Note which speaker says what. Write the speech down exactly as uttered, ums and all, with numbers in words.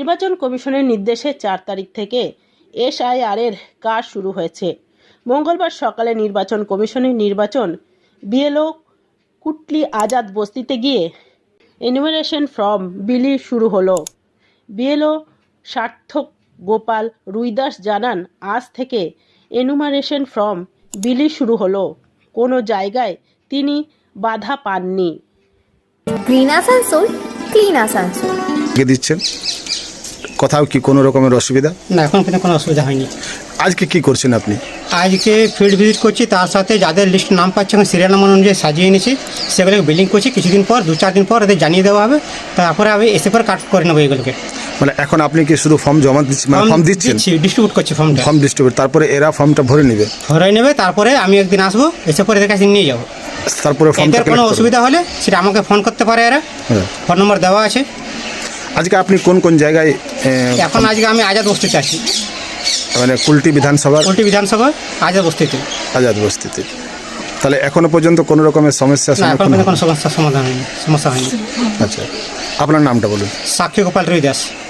Speaker 1: নির্বাচন কমিশনের নির্দেশে চার তারিখ থেকে এসআইআর এর কাজ শুরু হয়েছে। মঙ্গলবার সকালে নির্বাচন কমিশনের নির্বাচন বিএলও কুটলি আজাদ বস্তিতে গিয়ে এনুমারেশন ফর্ম বিলি শুরু হলো। বিএলও সার্থক গোপাল রুইদাস জানান, আজ থেকে এনুমারেশন ফর্ম বিলি শুরু হলো। কোনো জায়গায় তিনি বাধা পাননি।
Speaker 2: Green Asansol, clean Asansol.
Speaker 3: কে দিচ্ছেন? কোথাও কি কোনো রকমের অসুবিধা?
Speaker 4: না, এখন কিন্তু কোনো অসুবিধা হয়নি।
Speaker 3: আজকে কি করছেন আপনি?
Speaker 4: আজকে ফিল্ড ভিজিট করছি, তার সাথে যাদের লিস্ট নাম পাচ্ছে এখন সিরিয়াল নাম্বার অনুযায়ী সাজিয়ে এনেছি, সেগুলোকে বিলিং করছি। কিছুদিন পর দু চার দিন পর এদের জানিয়ে দেওয়া হবে, তারপরে আমি এসে পর কাট করে নেবো এগুলোকে।
Speaker 3: মানে এখন আপনি কি শুধু ফর্ম জমা দিচ্ছেন, মানে ফর্ম দিচ্ছেন,
Speaker 4: ডিস্ট্রিবিউট করছি ফর্মটা,
Speaker 3: ফর্ম ডিস্ট্রিবিউট, তারপরে এরা ফর্মটা ভরে নেবে
Speaker 4: ভরে নেবে, তারপরে আমি একদিন আসবো, এসে পরে এদের কাছে নিয়ে যাবো।
Speaker 3: তারপরে ফর্মটা
Speaker 4: এদের কোনো অসুবিধা হলে সেটা আমাকে ফোন করতে পারে, এরা ফোন নম্বর দেওয়া আছে।
Speaker 3: আজকে আপনি কোন কোন জায়গায়?
Speaker 4: এখন আজকে আমি আজাদ বস্তিতে আছি,
Speaker 3: মানে কুলটি বিধানসভা,
Speaker 4: কুলটি বিধানসভা আজাদ বস্তিতে।
Speaker 3: আজাদ বস্তিতে। তাহলে এখনো পর্যন্ত কোনো রকমের সমস্যা?
Speaker 4: না, এখন কোনো সমস্যার সমাধান হয়নি, সমস্যা হয়নি।
Speaker 3: আচ্ছা, আপনার নামটা বলুন।
Speaker 4: সাক্ষী গোপাল রুইদাস।